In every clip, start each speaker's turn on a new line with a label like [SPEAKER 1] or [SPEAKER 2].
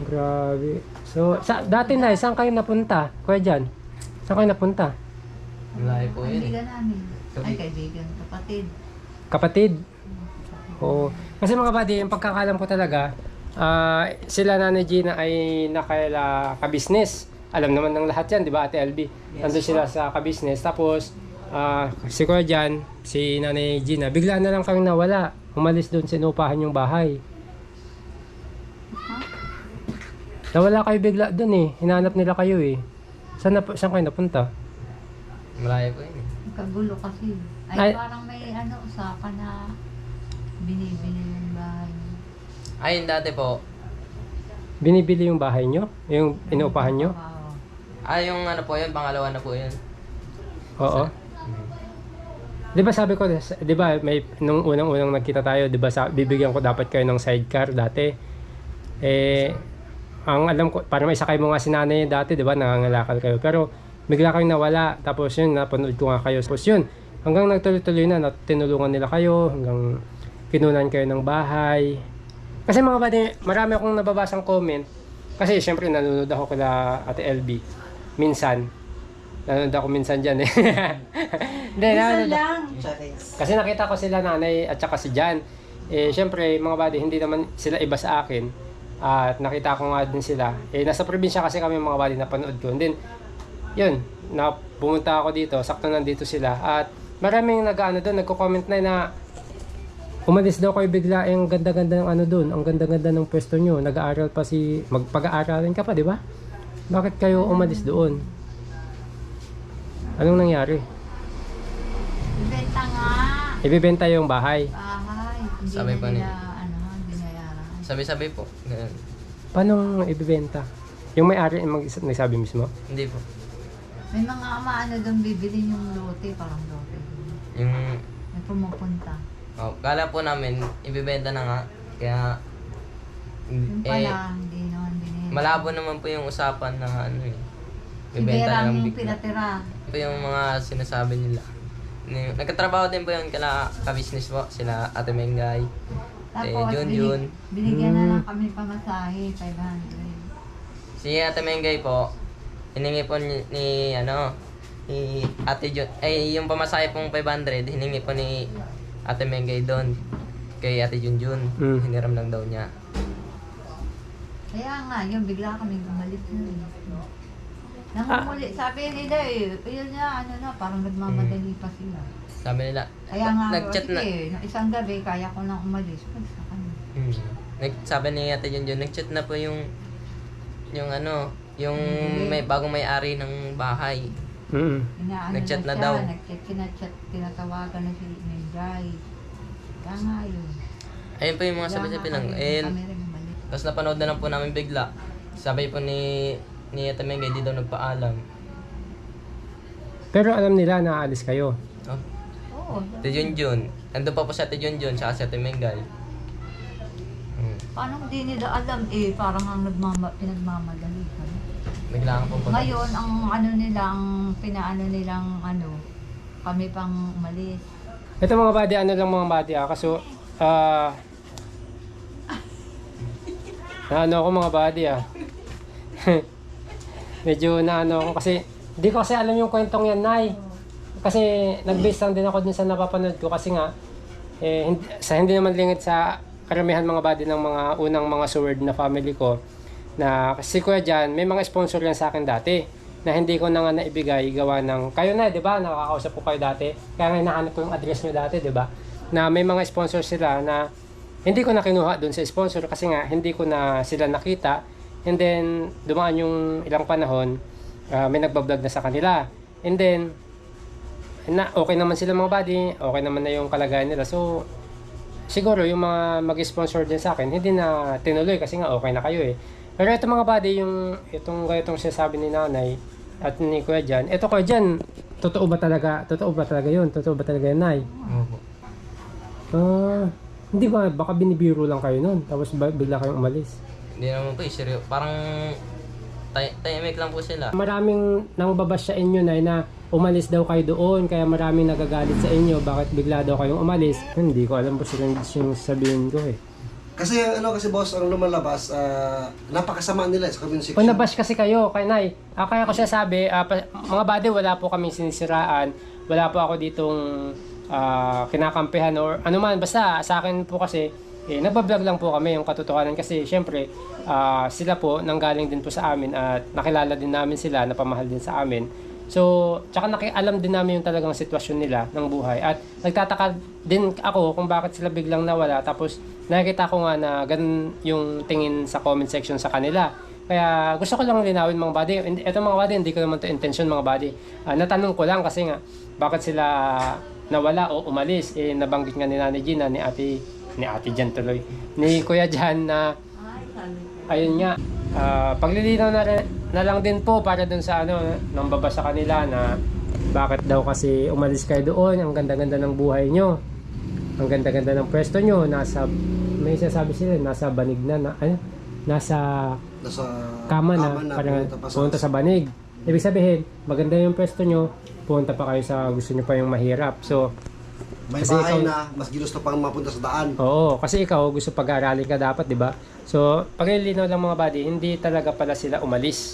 [SPEAKER 1] Grabe. So, dati na, saan kayo napunta? Kuya Jan, saan kayo napunta?
[SPEAKER 2] Malayo po yun.
[SPEAKER 3] Kaibigan namin. Ay, kaibigan. Kapatid.
[SPEAKER 1] Kapatid? Oo. Kasi mga buddy, yung pagkakalam ko talaga, sila Nanay Gina ay nakaila ka-business. Alam naman ng lahat yan, di ba, Ate LB? Nandun sila sa ka-business. Tapos, si Kuya Jan, si Nanay Gina, bigla na lang kang nawala. Umalis doon, sinupahan yung bahay. Nawala kayo bigla doon eh. Hinanap nila kayo eh. Saan kayo napunta?
[SPEAKER 2] Malayo po yun eh.
[SPEAKER 3] Kagulo kasi.
[SPEAKER 1] Ay.
[SPEAKER 3] Parang may usapan na binibili yung bahay.
[SPEAKER 2] Ayun dati po.
[SPEAKER 1] Binibili yung bahay nyo? Yung inuupahan nyo?
[SPEAKER 3] Oo.
[SPEAKER 2] Yung ano po yun, pangalawa na po yun.
[SPEAKER 1] Oo. Di ba sabi ko, di ba may nung unang-unang nagkita tayo, di ba bibigyan ko dapat kayo ng sidecar dati. Ang alam ko, parang may sakay mo nga si nanay dati, di ba, nangangalakal kayo. Pero bigla kayong nawala, tapos yun, napanood ko nga kayo. Tapos yun, hanggang nagtuloy-tuloy na, tinulungan nila kayo, hanggang kinunan kayo ng bahay. Kasi mga buddy, marami akong nababasang comment. Kasi syempre nanonood ako kila Ate LB. Minsan. Nanonood ako minsan dyan eh. Hindi,
[SPEAKER 3] Minsan lang.
[SPEAKER 1] kasi nakita ko sila nanay at saka si Jan. Syempre mga buddy, hindi naman sila iba sa akin. At nakita ko nga din sila. Nasa probinsya kasi kami mga buddy, napanood ko. And then, yun, pumunta ako dito, sakto nandito sila. At maraming doon, nagko-comment na umalis daw kayo bigla, ang ganda-ganda ng doon, ang ganda-ganda ng pwesto nyo. Nag-aaral pa magpag-aaralan ka pa, di ba? Bakit kayo umalis doon? Anong nangyari?
[SPEAKER 3] Ibenta nga.
[SPEAKER 1] Ibibenta yung bahay.
[SPEAKER 3] Bahay. Hindi
[SPEAKER 2] Sabi
[SPEAKER 3] na
[SPEAKER 2] pa
[SPEAKER 3] nila, binayaran.
[SPEAKER 2] Sabi-sabi po. Ganun.
[SPEAKER 1] Paano ibibenta? Yung may-ari nagsabi mismo?
[SPEAKER 2] Hindi po.
[SPEAKER 3] May mga doon bibili yung lote, parang lote.
[SPEAKER 2] Yung,
[SPEAKER 3] May pumupunta.
[SPEAKER 2] kala po namin, ibibenta na nga. Kaya,
[SPEAKER 3] Yung pala, hindi naman binili.
[SPEAKER 2] malabo naman po yung usapan na
[SPEAKER 3] Si
[SPEAKER 2] ibibenta na
[SPEAKER 3] Berang
[SPEAKER 2] lang
[SPEAKER 3] yung
[SPEAKER 2] bigla.
[SPEAKER 3] pinatira.
[SPEAKER 2] Ito yung mga sinasabi nila. Nagkatrabaho din po yun kala ka-business po. Sila Ate Mengay.
[SPEAKER 3] Tapos,
[SPEAKER 2] Jun.
[SPEAKER 3] binigyan na lang kami pamasahe, 500.
[SPEAKER 2] Si Ate Mengay po, hiningi po ni Ate Jun. Yung pamasahe pong 500, hiningi po ni Ate Mengay doon. Kay Ate Junjun. Hiniram lang daw niya.
[SPEAKER 3] Kaya nga, yun, bigla kami bumalik na. Nangumuli, sabi nila yun nga, parang nagmamadali pa sila.
[SPEAKER 2] Sabi nila,
[SPEAKER 3] Kaya nga,
[SPEAKER 2] nag-chat na.
[SPEAKER 3] isang gabi, kaya ko nang umalis. Basta kami.
[SPEAKER 2] Sabi ni Ate Junjun, nag-chat na po yung may bagong may-ari ng bahay. Nag-chat na daw.
[SPEAKER 3] Kinachat, tinatawagan na si Menday. Kaya nga yun.
[SPEAKER 2] Ayun po yung mga sabi-sabi lang.
[SPEAKER 3] Kami rin bumalik.
[SPEAKER 2] Tapos napanood na lang po namin bigla. Sabi po ni Ate Mengay, di daw nagpaalam.
[SPEAKER 1] Pero alam nila na aalis kayo.
[SPEAKER 2] Oh,
[SPEAKER 3] Oo.
[SPEAKER 2] Ate Junjun. Nandun pa po si Ate Junjun, saka si Ate Mengay.
[SPEAKER 3] Paano hindi nila alam parang ang pinagmamadali kami.
[SPEAKER 2] Bigla po po.
[SPEAKER 3] Ngayon, ang pinaano nilang kami pang umalis.
[SPEAKER 1] Ito mga buddy, mga buddy kaso, ako mga buddy medyo ako kasi, hindi ko kasi alam yung kwentong yan, Nay. Kasi nag-base lang din ako dun sa napapanood ko kasi nga, hindi naman lingit sa karamihan mga buddy ng mga unang mga sword na family ko, na kasi Kuya Jan, may mga sponsor yan sa akin dati, na hindi ko na nga naibigay gawa ng, kayo na, di ba? Nakakausap ko kayo dati. Kaya nga hinahanap ko yung address nyo dati, di ba? Na may mga sponsor sila na hindi ko na kinuha doon sa sponsor kasi nga hindi ko na sila nakita. And then, dumaan yung ilang panahon, may nagbablog na sa kanila. And then, okay naman sila mga buddy, okay naman na yung kalagayan nila. So, siguro yung mga mag-sponsor din sa akin, hindi na tinuloy kasi nga okay na kayo eh. Pero ito mga buddy, itong sinasabi ni nanay at ni Kuya Jan, ito Kuya Jan, totoo ba talaga yun? Totoo ba talaga yun, Nay?
[SPEAKER 2] Opo.
[SPEAKER 1] Hindi ba, baka binibiro lang kayo nun, tapos bigla kayong umalis.
[SPEAKER 2] Hindi naman po, seryo. Parang tahimik lang po sila.
[SPEAKER 1] Maraming nang babas sa inyo na umalis daw kayo doon, kaya maraming nagagalit sa inyo, bakit bigla daw kayong umalis. Hindi ko alam po sila yung sabihin ko eh.
[SPEAKER 4] Kasi kasi boss, ang lumalabas, napakasama nila sa comment section.
[SPEAKER 1] Kung nabash kasi kayo, kay Nay, kaya ko siya sabi, mga buddy, wala po kaming sinisiraan, wala po ako ditong kinakampihan or ano man, basta sa akin po kasi, nagbablog lang po kami yung katotohanan kasi syempre, sila po nanggaling din po sa amin at nakilala din namin sila, napamahal din sa amin. So, tsaka alam din namin yung talagang sitwasyon nila ng buhay. At nagtataka din ako kung bakit sila biglang nawala. Tapos, nakikita ko nga na ganun yung tingin sa comment section sa kanila. Kaya, gusto ko lang linawin mga buddy. Ito mga buddy, hindi ko naman to intention mga buddy. Natanong ko lang kasi nga, bakit sila nawala o umalis. Nabanggit nga ni Nanay Gina, ni Ate Jan tuloy. Ni Kuya Jan na, ayun nga, paglilinaw na lang din po para dun sa nang baba sa kanila na bakit daw kasi umalis kayo doon, ang ganda-ganda ng buhay nyo, ang ganda-ganda ng pwesto nyo, may sasabi sila, nasa banig na nasa kama na, parang punta sa banig. Ibig sabihin, maganda yung pwesto nyo, punta pa kayo sa gusto nyo pa yung mahirap. So,
[SPEAKER 4] may
[SPEAKER 1] kasi
[SPEAKER 4] bahay na, mas ginusto pang mapunta sa daan.
[SPEAKER 1] Oo, kasi ikaw gusto pag-aralin ka dapat, di ba? So, paglilinaw lang mga buddy, hindi talaga pala sila umalis.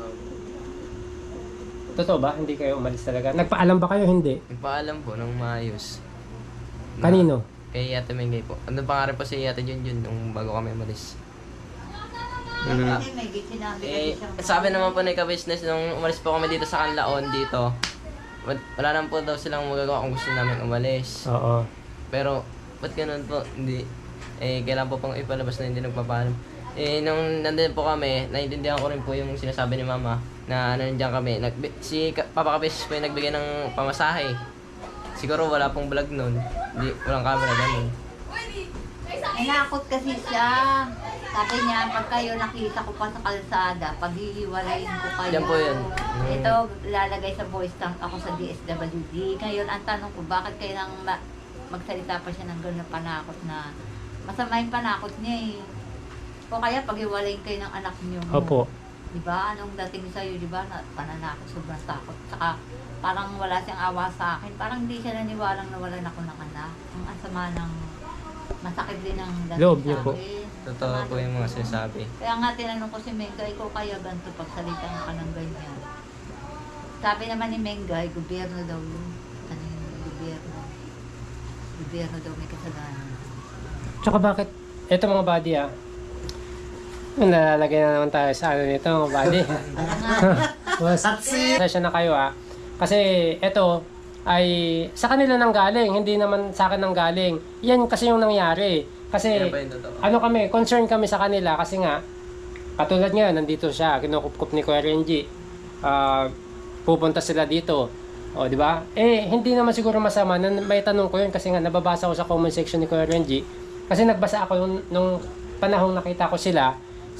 [SPEAKER 1] Totoo ba? Hindi kayo umalis talaga? Nagpaalam ba kayo? Hindi.
[SPEAKER 2] Nagpaalam po ng maayos.
[SPEAKER 1] Kanino?
[SPEAKER 2] Kay Ate Mengay po. Ano pa nga rin po si Ate Junjun nung bago kami umalis.
[SPEAKER 3] Kasi may sinabi
[SPEAKER 2] Sabi naman po ni ka-business nung umalis po kami dito sa Canlaon dito. Wala naman po daw silang magagawa kung gusto namin umalis.
[SPEAKER 1] Oo.
[SPEAKER 2] Pero, ba't ganun po? Hindi. Kailan po pang ipalabas na hindi nagpapaalam. Nung nandun po kami, naiintindihan ko rin po yung sinasabi ni Mama na nandiyan kami. Papa Kapis po yung nagbigay ng pamasahe. Siguro wala pong vlog nun. Walang camera ganun.
[SPEAKER 3] Inakot kasi siya. Sabi niya, pag kayo nakita ko pa sa kalsada, paghihiwalayin ko kayo.
[SPEAKER 2] Yan po yun.
[SPEAKER 3] Ito, lalagay sa voice tank ako sa DSWD. Ngayon, ang tanong ko, bakit kayo nang magsalita pa siya ng gano'n na panakot na masama yung panakot niya eh. O kaya paghiwalayin kayo ng anak niyo.
[SPEAKER 1] Opo.
[SPEAKER 3] Diba? Anong dating sa'yo, diba? Na pananakot, sobrang takot. Saka parang wala siyang awa sa akin. Parang hindi siya naniwalang nawalan ako ng anak. Ang asama ng masakit din ang dating
[SPEAKER 1] Loob
[SPEAKER 3] sa
[SPEAKER 1] niyo po.
[SPEAKER 3] akin.
[SPEAKER 2] Totoo po yung mga sinasabi.
[SPEAKER 3] Kaya nga tinanong ko si Mengay, ikaw kaya ganito pagsalita ka ng ganyan. Sabi naman ni Mengay, gobyerno daw yun. Ano yung gobyerno? Gobyerno daw may kasalanan.
[SPEAKER 1] Tsaka bakit, eto mga buddy nalalagay na naman tayo sa nito mga buddy. Session na kayo Kasi eto ay sa kanila nang galing, hindi naman sa akin nang galing. Yan kasi yung nangyari. Kasi
[SPEAKER 2] Yan pa yung totoo.
[SPEAKER 1] kami, concern kami sa kanila kasi nga katulad ngayon nandito siya, kinukup-kup ni Kuya Renji. Pupunta sila dito. O, di ba? Hindi naman siguro masama na may tanong ko yun kasi nga nababasa ko sa comment section ni Kuya Renji. Kasi nagbasa ako nung panahong nakita ko sila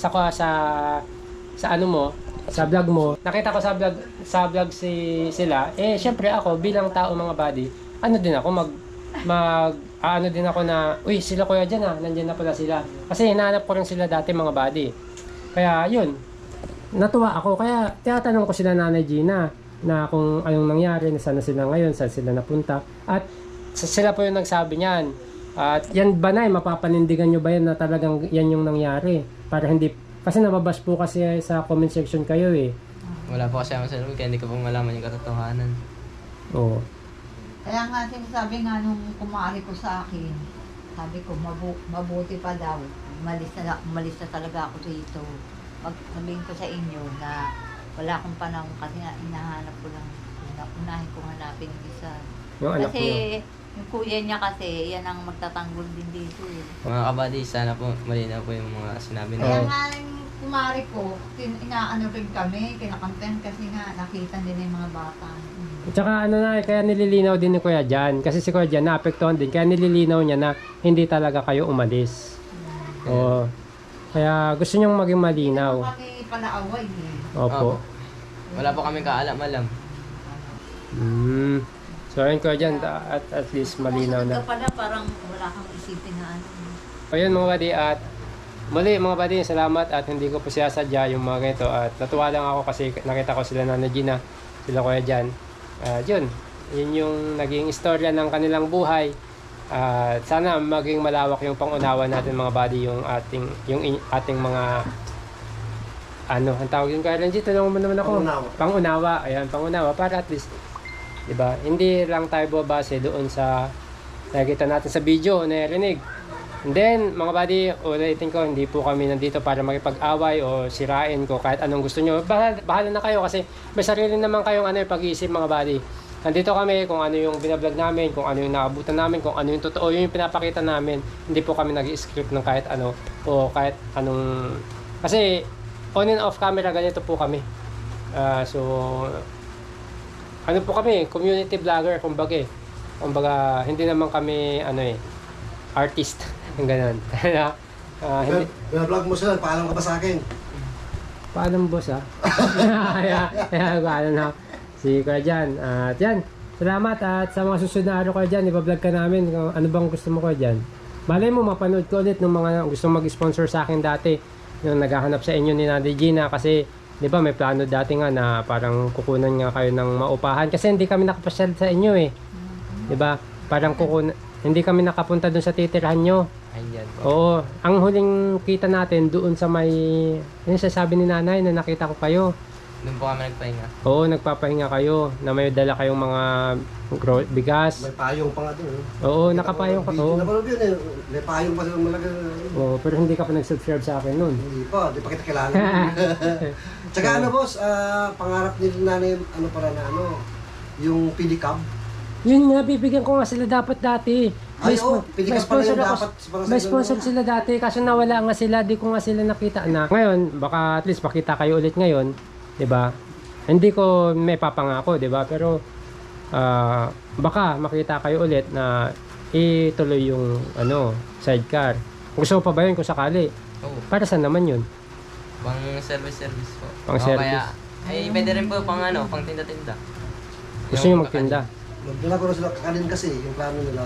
[SPEAKER 1] sa ano mo, sa vlog mo. Nakita ko sa vlog sila. Syempre ako bilang tao mga buddy, ano din ako ano din ako na, uy, sila kuya dyan nandiyan na pala sila. Kasi hinahanap ko rin sila dati mga buddy. Kaya yun, natuwa ako. Kaya tinatanong ko sila Nanay Gina na kung anong nangyari, saan na sila ngayon, saan sila napunta. At sila po yung nagsabi niyan. At yan ba mapapanindigan nyo ba yan na talagang yan yung nangyari? Para hindi, kasi nababash po kasi sa comment section kayo
[SPEAKER 2] Wala po kasi ako sa loob, kaya hindi ko po malaman yung katotohanan.
[SPEAKER 1] Oo.
[SPEAKER 3] Kaya nga sinasabi nga nung kumari ko sa akin, sabi ko mabuti pa daw, umalis na talaga ako dito. Sabihin ko sa inyo na wala akong panahon kasi nga hinahanap ko lang, unahin kong hanapin yung isa.
[SPEAKER 1] Yung anak
[SPEAKER 3] Kasi
[SPEAKER 1] niyo.
[SPEAKER 3] yung kuya niya kasi, yan ang magtatanggol din dito.
[SPEAKER 2] Mga kabady, sana po malinaw po yung mga sinabi
[SPEAKER 3] Kaya
[SPEAKER 2] na.
[SPEAKER 3] nga yung kumari ko, inaano rin kami, kinakanten kasi nga nakita nila yung mga bata.
[SPEAKER 1] Tsaka kaya nililinaw din ni Kuya Jan. Kasi si Kuya Jan naapektuhan din. Kaya nililinaw niya na hindi talaga kayo umalis. Oo. Kaya gusto niyang maging malinaw.
[SPEAKER 3] Kami palaaway
[SPEAKER 1] Opo.
[SPEAKER 2] Wala po kami kaalam-alam.
[SPEAKER 1] So ayun Kuya Jan, at least malinaw na.
[SPEAKER 3] pala parang wala kang isipin na ano.
[SPEAKER 1] Ayun mga buddy, at muli mga buddy, salamat at hindi ko po sinasadya yung mga ganito. At natuwa lang ako kasi nakita ko sila Nanay Gina, sila Kuya Jan. Yun yung naging istorya ng kanilang buhay. Sana maging malawak yung pangunawa natin mga buddy, yung ating mga ano, ang tawag yun, kaya Renji, tulungan mo naman ako. Pangunawa. Ayan, pangunawa para at least, 'di ba? Hindi lang tayo babase doon sa nakikita natin sa video, narinig. And then, mga buddy, ulitin ko, hindi po kami nandito para makipag-away o sirain ko kahit anong gusto nyo. Bahala na kayo kasi may sarili naman kayong pag-iisip mga buddy. Nandito kami kung ano yung binablog namin, kung ano yung naabutan namin, kung ano yung totoo, yung pinapakita namin. Hindi po kami nag-script ng kahit ano o kahit anong... Kasi on and off camera, ganito po kami. So, ano po kami, community vlogger, kumbaga. Kumbaga, hindi naman kami, artist. Yung ganun. Hindi.
[SPEAKER 4] Binablog mo sila, paalam ka ba sa akin?
[SPEAKER 1] Paalam boss paalam na. Si Kuya Jan. At yan, salamat at sa mga susunod na araw Kuya Jan, ibablog ka namin kung ano bang gusto mo Kuya Jan. Malay mo, mapanood ko ulit ng mga gustong mag-sponsor sa akin dati yung naghahanap sa inyo ni Nanay Gina kasi di ba may plano dati nga na parang kukunan nga kayo ng maupahan kasi hindi kami nakapasyal sa inyo di ba? Parang hindi kami nakapunta doon sa titirahan nyo.
[SPEAKER 2] Ayan po.
[SPEAKER 1] Oo, ang huling kita natin doon sa may yung sasabi ni Nanay na nakita ko kayo.
[SPEAKER 2] Doon po kami nagpahinga.
[SPEAKER 1] Oo, nagpapahinga kayo na may dala kayong mga bigas.
[SPEAKER 4] May payong pa nga doon.
[SPEAKER 1] Oo, nakapayong ka. Oo.
[SPEAKER 4] Napanood yun eh. May payong pa silang malaga.
[SPEAKER 1] Oo, pero hindi ka pa nag-subscribe sa akin noon.
[SPEAKER 4] Hindi pa kita kilala. Tsaka boss, pangarap ni Nanay, yung pedicab.
[SPEAKER 1] Yun nga, bibigyan ko nga sila dapat dati.
[SPEAKER 4] Pilikas pa rin dapat.
[SPEAKER 1] May sponsor sila dati, kaso nawala nga sila, di ko nga sila nakita na. Ngayon, baka at least pakita kayo ulit ngayon, 'di ba? Hindi ko may papangako, 'di ba? Pero baka makita kayo ulit na ituloy yung sidecar. Gusto mo pa ba yun kung sakali?
[SPEAKER 2] Oo.
[SPEAKER 1] Para saan naman yun?
[SPEAKER 2] Pang service po.
[SPEAKER 1] Pang service.
[SPEAKER 2] Kaya, pwede rin po pang tinda-tinda.
[SPEAKER 1] Gusto nyo magtinda?
[SPEAKER 4] Magdala ko na sila kakanin kasi, yung plano nila.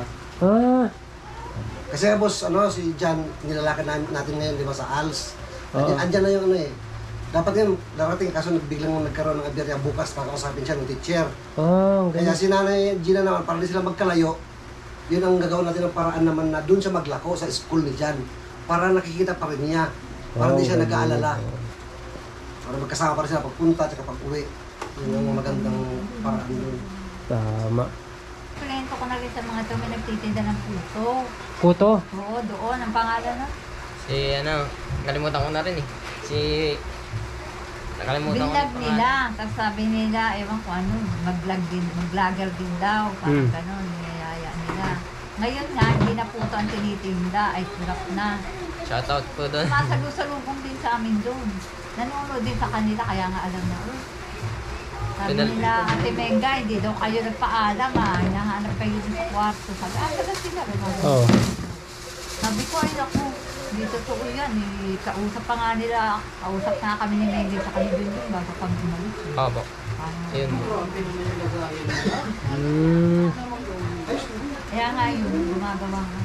[SPEAKER 4] Kasi boss, si Jan, nilalakad natin ngayon, di ba, sa ALS. Andyan na yung Dapat yan, darating kaso biglang nagkaroon ng aberya bukas para kausapin siya ng teacher. Kaya si Nanay Gina naman, para di sila magkalayo, yun ang gagawin natin ng paraan naman na doon siya maglako sa school ni Jan. Para nakikita pa rin niya. Para hindi siya nag-aalala. Para magkasama pa rin sila pagpunta at pag-uwi. Yun ang magandang paraan doon.
[SPEAKER 1] Tama.
[SPEAKER 3] Kliyento ko na rin sa mga ito, may nagtitinda ng puto.
[SPEAKER 1] Puto?
[SPEAKER 3] Oo, doon. Ang pangalan na?
[SPEAKER 2] Nakalimutan ko na rin eh. Nakalimutan ko
[SPEAKER 3] Binlag
[SPEAKER 2] na
[SPEAKER 3] nila. Tapos sabi nila, ewan ko ano, mag-vlogger din daw. Parang gano'n, niyayaya nila. Ngayon nga, hindi na puto ang tinitinda. Ay, surap na.
[SPEAKER 2] Shoutout po doon.
[SPEAKER 3] Masalusalubong din sa amin doon. Nanonood din sa kanila, kaya nga alam na. Sabi nila, Ate Menga, hindi daw kayo nagpaalam hinahanap kayo din sa kwarto. Sabi, talaga sila.
[SPEAKER 1] Oo.
[SPEAKER 3] Sabi ko, ay naku, hindi totoo yan. Kausap pa nga nila, kausap na kami ni Menga sa kanila yun bago pag umalis.
[SPEAKER 2] Opo. Ayun po.
[SPEAKER 3] Kaya nga yun, gumagawa nga.